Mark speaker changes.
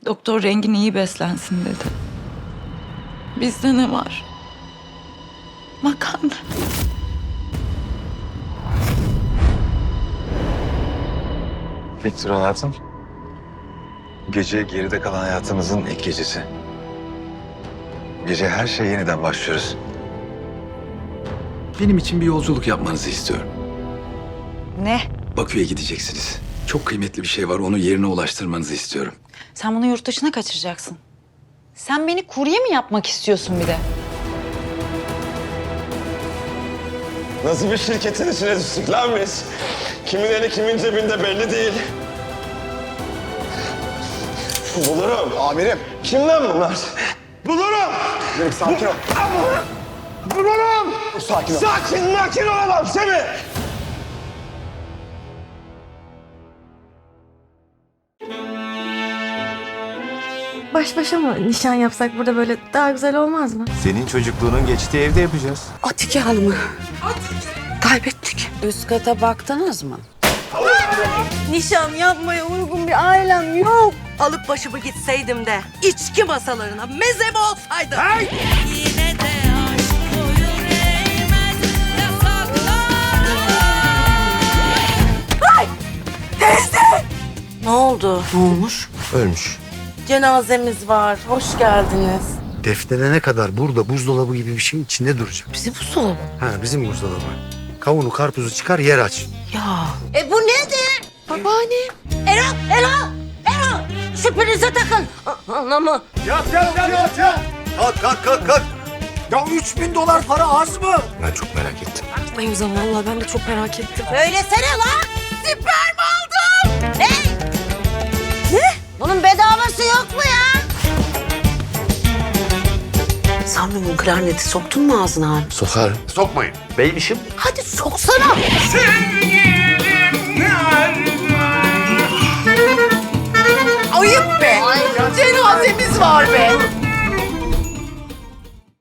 Speaker 1: Doktor Rengin iyi beslensin dedi. Bizde ne var? Makarna.
Speaker 2: Victor hayatım. Gece geride kalan hayatımızın ilk gecesi. Gece her şeye yeniden başlıyoruz. Benim için bir yolculuk yapmanızı istiyorum.
Speaker 3: Ne?
Speaker 2: Bakü'ye gideceksiniz. Çok kıymetli bir şey var. Onu yerine ulaştırmanızı istiyorum.
Speaker 3: Sen bunu yurt dışına kaçıracaksın. Sen beni kurye mi yapmak istiyorsun bir de?
Speaker 4: Nasıl bir şirketin içine düştük lan biz? Kimin eli kimin cebinde belli değil. Bulurum.
Speaker 5: Amirim.
Speaker 4: Kim lan bunlar? Bulurum.
Speaker 5: Amirim sakin ol.
Speaker 4: Bulurum.
Speaker 5: Sakin ol.
Speaker 4: Sakin ol adam Semih.
Speaker 6: Baş başa mı nişan yapsak burada böyle daha güzel olmaz mı?
Speaker 7: Senin çocukluğunun geçtiği evde yapacağız.
Speaker 8: Atike Hanım'ı kaybettik. Üst kata baktınız mı?
Speaker 6: Nişan yapmaya uygun bir ailem yok.
Speaker 8: Alıp başımı gitseydim de içki masalarına mezeme olsaydım.
Speaker 9: Yine de aşk boyun eğmez yasaklar.
Speaker 8: Ne oldu? Ne olmuş?
Speaker 7: Ölmüş.
Speaker 8: Cenazemiz var. Hoş geldiniz.
Speaker 10: Defnedene kadar burada buzdolabı gibi bir şeyin içinde duracak.
Speaker 8: Bizim buzdolabı.
Speaker 10: Ha bizim buzdolabı. Kavunu karpuzu çıkar yer aç.
Speaker 8: Ya.
Speaker 6: Bu nedir?
Speaker 8: Babaanne. Erol. Şu prize takın. Anamı.
Speaker 10: Kalk. Ya 3000 dolar para az mı?
Speaker 7: Ben çok merak ettim.
Speaker 8: Ay o zaman vallahi ben de çok merak ettim.
Speaker 6: Söylesene lan. Sperm aldım. Ne? Bunun bedavası yok mu ya?
Speaker 8: Samyum'un klarneti soktun mu ağzına abi?
Speaker 7: Sokar.
Speaker 10: Sokmayın. Beymişim.
Speaker 8: Hadi soksana.
Speaker 6: Ayıp be. Cenazemiz var be.